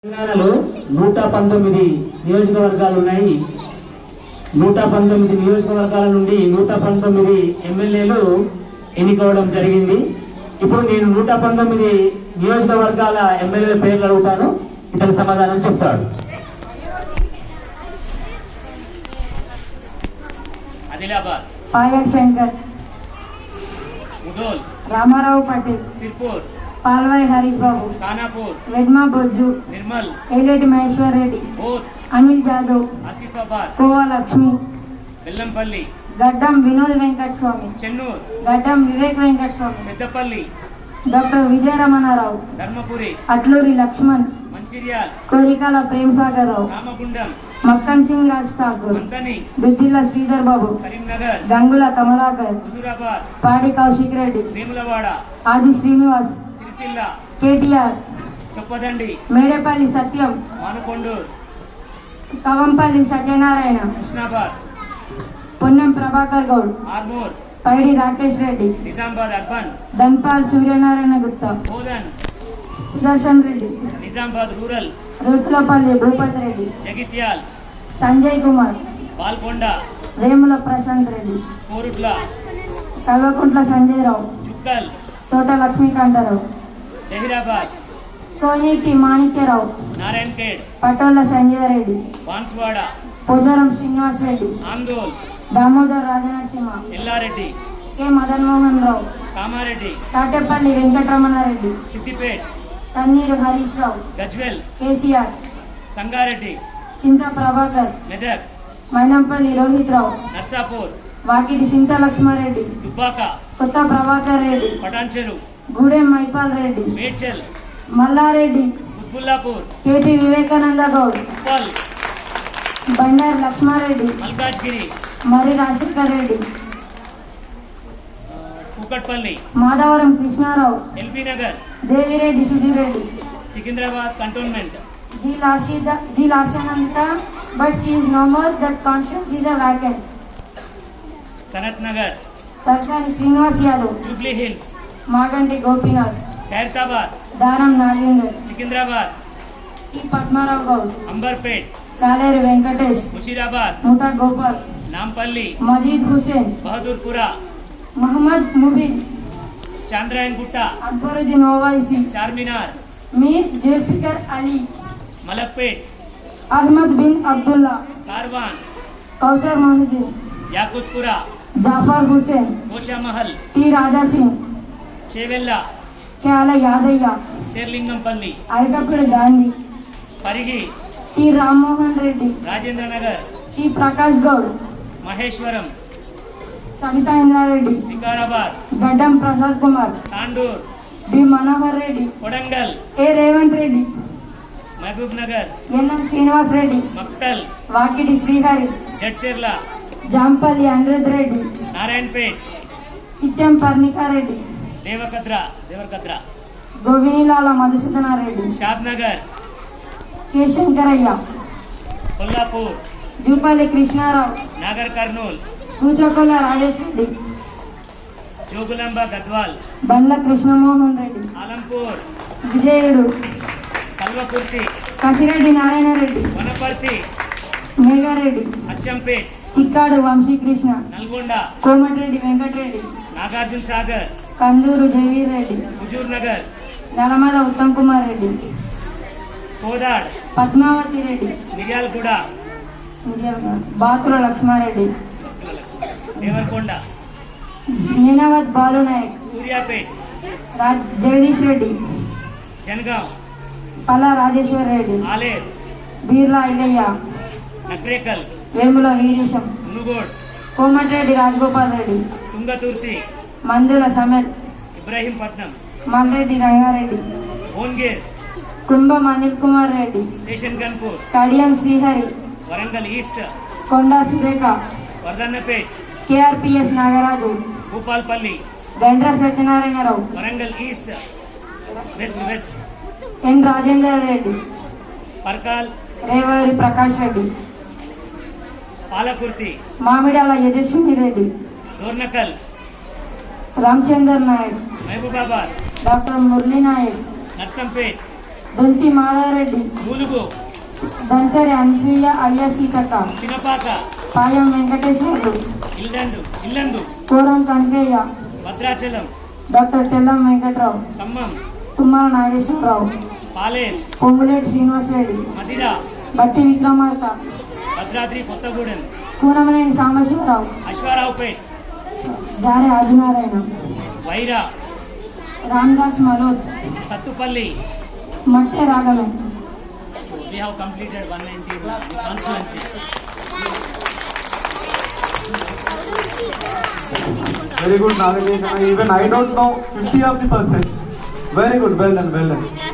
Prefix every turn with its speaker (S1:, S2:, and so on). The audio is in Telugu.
S1: తెలంగాణలో 119 నియోజకవర్గాలు ఉన్నాయి. 119 నియోజకవర్గాల నుండి 119 ఎమ్మెల్యేలు ఎన్నికవడం జరిగింది. ఇప్పుడు నేను 119 నియోజకవర్గాల ఎమ్మెల్యేల పేర్లు అడుగుతాను, ఇతని సమాధానం చెప్తాడు.
S2: Adilabad,
S3: Payal Shankar,
S2: Mudhole,
S3: Ramarao Patel,
S2: Sirpur,
S3: Palvai Harish Babu,
S2: Khanapur,
S3: Vedma Bojju,
S2: Nirmal,
S3: Aleti Maheshwar Reddy,
S2: Boath,
S3: Anil Jadhav,
S2: Asifabad,
S3: Kova Lakshmi,
S2: Bellampalli,
S3: Gaddam Vinod Venkata Swamy,
S2: Chennur,
S3: Gaddam Vivek Venkata Swamy,
S2: Peddapalli,
S3: doctor Vijayaramanarao,
S2: Dharmapuri,
S3: Atluri Laxman,
S2: Mancherial,
S3: Korikala Prem Sagar Rao,
S2: Ramagundam,
S3: Makkan Singh Raj Thakur,
S2: Manthani,
S3: Duddilla Sridhar Babu,
S2: Karimnagar,
S3: Gangula Kamalakar,
S2: Huzurabad,
S3: Padi Kaushik Reddy,
S2: Vemulawada,
S3: Adi Srinivas,
S2: Sircilla,
S3: KTR,
S2: Choppadandi,
S3: Medepalli Satyam,
S2: Manakondur,
S3: Kavampalli Satyanarayana,
S2: Husnabad,
S3: Ponnam Prabhakar Goud,
S2: Armur,
S3: Paidi Rakesh Reddy,
S2: Nizamabad urban,
S3: Dhanpal Suryanarayana Gupta,
S2: Bodhan,
S3: Sudarshan Reddy,
S2: Nizamabad rural,
S3: Ruthulapalli Bhupathi Reddy,
S2: Jagtial,
S3: Sanjay Kumar,
S2: Palkonda,
S3: Vemula Prashanth Reddy,
S2: Korutla,
S3: Kalvakuntla Sanjay Rao,
S2: Chukkal,
S3: Thota Lakshmikantharao,
S2: Zaheerabad,
S3: Koneti Manikyarao,
S2: Narayankhed,
S3: Patolla Sanjay Reddy,
S2: Banswada,
S3: Pocharam Srinivas Reddy,
S2: Andole,
S3: Damodar Rajanarasimha,
S2: Yellareddy,
S3: K Madan Mohan Rao,
S2: Kamareddy,
S3: Thatipalli Venkataramanareddy,
S2: Siddipet,
S3: Thanneeru Harish Rao,
S2: Gajwel,
S3: KCR,
S2: Sangareddy,
S3: చింత ప్రభాకర్,
S2: మెదక్,
S3: మైనంపల్లి రోహిత్ రావు,
S2: నర్సాపూర్,
S3: వాకిటి సింత Laxmareddy,
S2: Dubbaka,
S3: Kotha Prabhakar Reddy,
S2: Patancheru,
S3: Gudem Maipal Reddy,
S2: Medchal,
S3: Mallareddy,
S2: Quthbullapur,
S3: KP Vivekananda Goud,
S2: Uppal,
S3: Bandaru Laxmareddy,
S2: Malkajgiri,
S3: Marri Rajasekhar Reddy,
S2: Kukatpally,
S3: Madhavaram Krishnarao,
S2: LB Nagar,
S3: Devireddy Sudheer Reddy,
S2: Secunderabad Cantonment,
S3: G Lasyanandita, but she is no more, that constituency is a vacant.
S2: Sanath Nagar,
S3: Takshani Srinivas Yadav,
S2: Jubilee Hills,
S3: Maganti Gopinath,
S2: Khairatabad,
S3: Danam Nagender,
S2: Secunderabad,
S3: T Padmarao Goud,
S2: Amberpet,
S3: Kaleru Venkatesh,
S2: Musheerabad,
S3: ముఠా గోపాల్,
S2: నాంపల్లి,
S3: మజీద్ Hussain,
S2: Bahadurpura,
S3: Mohammed Mubin,
S2: Chandrayan Gutta,
S3: Akbaruddin Owaisi,
S2: Charminar,
S3: Mir Zulfiqar Ali,
S2: Malakpet,
S3: Ahmed Bin Abdullah,
S2: Karwan,
S3: Kausar Mohiuddin,
S2: Yakutpura,
S3: Jafar Hussain,
S2: Goshamahal,
S3: T Raja Singh,
S2: Chevella,
S3: Kyala Yadaiah,
S2: Serilingampally,
S3: Arekapudi Gandhi,
S2: Pargi,
S3: T Rammohan Reddy,
S2: Rajendra Nagar,
S3: T Prakash Goud,
S2: Maheshwaram,
S3: Savitha Indrareddy,
S2: Vikarabad,
S3: Gaddam Prasad Kumar,
S2: Tandur,
S3: B Manohar Reddy,
S2: Kodangal,
S3: A Revanth Reddy,
S2: Mahabub Nagar,
S3: NM Srinivas Reddy,
S2: Makthal,
S3: Vakiti Srihari,
S2: Jadcherla,
S3: Jampalli Anirudh Reddy,
S2: Narayanpet,
S3: Chittem Parnikareddy,
S2: Devarakadra,
S3: గోవినిలాల Madhusudanareddy,
S2: Shad Nagar,
S3: K Shankaraiah,
S2: Kollapur,
S3: Jupally Krishnarao,
S2: Nagar Kurnool,
S3: Kuchakolla Rajesh Reddy,
S2: Jogulamba Gadwal,
S3: Bandla Krishnamohan Reddy,
S2: Alampur,
S3: Vijayudu,
S2: Kalwakurthy,
S3: Kasireddy Narayana Reddy,
S2: Wanaparthy,
S3: Megareddy,
S2: Achampet,
S3: Chikkadu Vamshikrishna,
S2: Nalgonda,
S3: Komatireddy Venkatreddy,
S2: Nagarjuna Sagar,
S3: Kanduru Jaiveer Reddy,
S2: Huzur Nagar,
S3: Nalamada Uttam Kumar Reddy,
S2: Kodad,
S3: Padmavathi Reddy,
S2: Miryalaguda,
S3: Bathula Laxmareddy,
S2: Devarakonda,
S3: నీనావత్ Balu Nayak,
S2: Suryapet,
S3: Jagadish Reddy,
S2: Jangaon,
S3: Palla Rajeshwar Reddy,
S2: Aler,
S3: Birla ఇల్లయ్య,
S2: Nakrekal,
S3: Vemula Veeresham,
S2: మునుగోడ్,
S3: Komatireddy Rajagopal Reddy,
S2: Thungathurthi,
S3: Mandula Sameth,
S2: Ibrahimpatnam,
S3: Malreddy Rangareddy,
S2: Bhongir,
S3: Kumbham Anil Kumar Reddy,
S2: Station Ghanpur,
S3: Kadiyam Srihari,
S2: Warangal East,
S3: Konda Surekha,
S2: Wardhannapet,
S3: KRPS Nagaraju,
S2: Bhupalpally,
S3: Gandra Satyanarayanarao,
S2: Warangal East, West,
S3: N Rajender Reddy,
S2: Parkal,
S3: Revuri Prakash Reddy,
S2: Palakurthi,
S3: Mamidala Yashaswini Reddy,
S2: Dornakal,
S3: Ramachander Naik,
S2: Mahabubabad,
S3: doctor Murali Naik,
S2: Narsampet,
S3: Donthi Madhavareddy,
S2: Mulugu,
S3: Damsari Anasuya alias Seethakka,
S2: Pinapaka,
S3: Payam Venkateswarlu,
S2: Yellandu,
S3: Koram Kanakaiah,
S2: Bhadrachalam,
S3: doctor Tellam Venkatrao,
S2: Khammam,
S3: Thummala Nageswararao,
S2: పాలేరు,
S3: పొంగులేటి శ్రీనివాసరెడ్డి,
S2: మదిర,
S3: బట్టి విక్రమార్క,
S2: భద్రాద్రి కొత్తగూడెం,
S3: కూనమనేని సాంబశివరావు,
S2: అశ్వారావుపేట్,
S3: జారే Adinarayana,
S2: Wyra,
S3: Ramdas Maloth,
S2: Sathupalli.
S3: Matte Raghavan.
S2: We have completed 190 constituency.
S4: Very good, Nagajay. Even I don't know 50 of the percent. Very good, well done, well done.